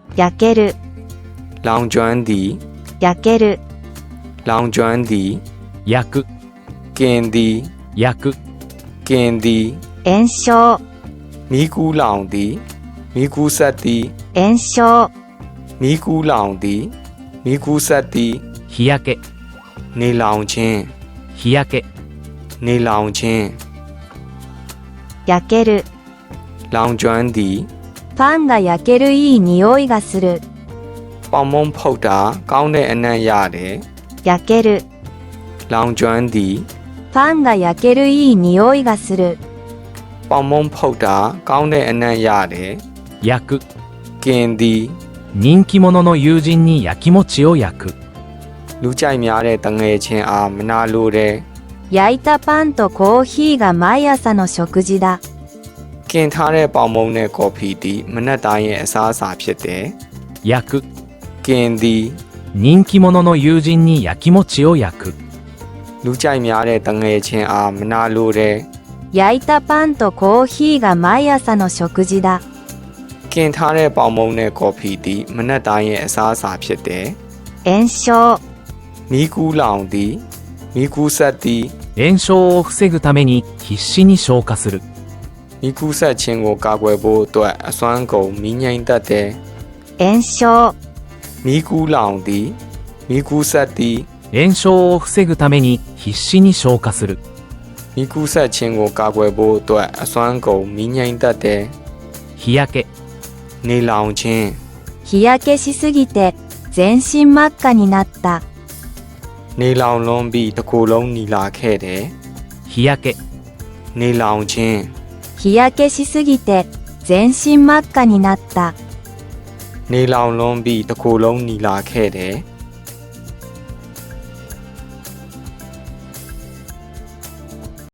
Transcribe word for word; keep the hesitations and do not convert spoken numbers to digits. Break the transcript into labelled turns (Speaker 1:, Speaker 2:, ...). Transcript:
Speaker 1: 焼ける
Speaker 2: လောင်ကျွမ်းသည်
Speaker 1: 焼ける
Speaker 2: လောင်ကျွမ်းသည်
Speaker 3: 焼く
Speaker 2: กินသည်
Speaker 3: 焼く
Speaker 2: กินသည်
Speaker 1: 炎症
Speaker 2: မီးကူးလောင်သည်မီးကူးဆက်သည်
Speaker 1: 炎症
Speaker 2: မီးကူးလောင်သည်မီးကူးဆက်သည်
Speaker 3: 日焼け
Speaker 2: နေလောင်ခြင်း
Speaker 3: 日焼け
Speaker 2: နေလောင်ခြင်း
Speaker 1: 焼ける
Speaker 2: လောင်ကျွမ်းသည်
Speaker 1: パンが焼けるいい匂いがする
Speaker 2: ပေါင်မုံဖုတ်တာကောင်းတဲ့အနံ့ရတယ်
Speaker 1: 焼ける
Speaker 2: လောင်ကျွမ်းသည်
Speaker 1: パンが焼けるいい匂いがする
Speaker 2: ပေါင်မုံဖုတ်တာကောင်းတဲ့အနံ့ရတယ်
Speaker 3: 焼く
Speaker 2: กินသည်
Speaker 3: 人気者の友人に焼き餅を焼く
Speaker 2: လူကြိုက်များတဲ့တငယ်ချင်းအားမနာလိုတဲ့
Speaker 1: 焼いたパンとコーヒーが毎朝の食事だ
Speaker 2: กินထားတဲ့ပေါင်မုံနဲ့ကော်ဖီသည်မနက်တိုင်းရဲ့အစားအစာဖြစ်တယ်
Speaker 3: 焼く
Speaker 2: กินသည်
Speaker 3: 人気者の友人に焼き餅を焼く
Speaker 2: လူကြိုက်များတဲ့တငယ်ချင်းအားမနာလိုတဲ့
Speaker 1: 焼いたパンとコーヒーが毎朝の食事だ
Speaker 2: กินထားတဲ့ပေါင်မုံနဲ့ကော်ဖီသည်မနက်တိုင်းရဲ့အစားအစာဖြစ်တယ်
Speaker 1: 炎症
Speaker 2: မီးကူးလောင်သည်မီးကူးဆက်သည်
Speaker 3: 炎症を防ぐために必死に消火する
Speaker 2: မီးကူးဆက်ခြင်းကိုကာကွယ်ဖို့အတွက်အစွမ်းကုန်မီးငြိမ်းတတ်တယ်
Speaker 1: 炎症
Speaker 2: မီးကူးလောင်သည်မီးကူးဆက်သည်
Speaker 3: 炎症を防ぐために必死に消火する
Speaker 2: မီးကူးဆက်ခြင်းကိုကာကွယ်ဖို့အတွက်အစွမ်းကုန်မီးငြိမ်းတတ်တယ်
Speaker 3: 日焼け
Speaker 2: နေလောင်ခြင်း
Speaker 1: 日焼けしすぎて全身真っ赤になった
Speaker 2: နေလောင်လွန်ပြီးတစ်ကိုယ်လုံးနီလာခဲ့တယ်
Speaker 3: 日焼け
Speaker 2: နေလောင်ခြင်း
Speaker 1: 日焼けしすぎて全身真っ赤になった
Speaker 2: နေလောင်လွန်ပြီးတစ်ကိုယ်လုံးနီလာခဲ့တယ်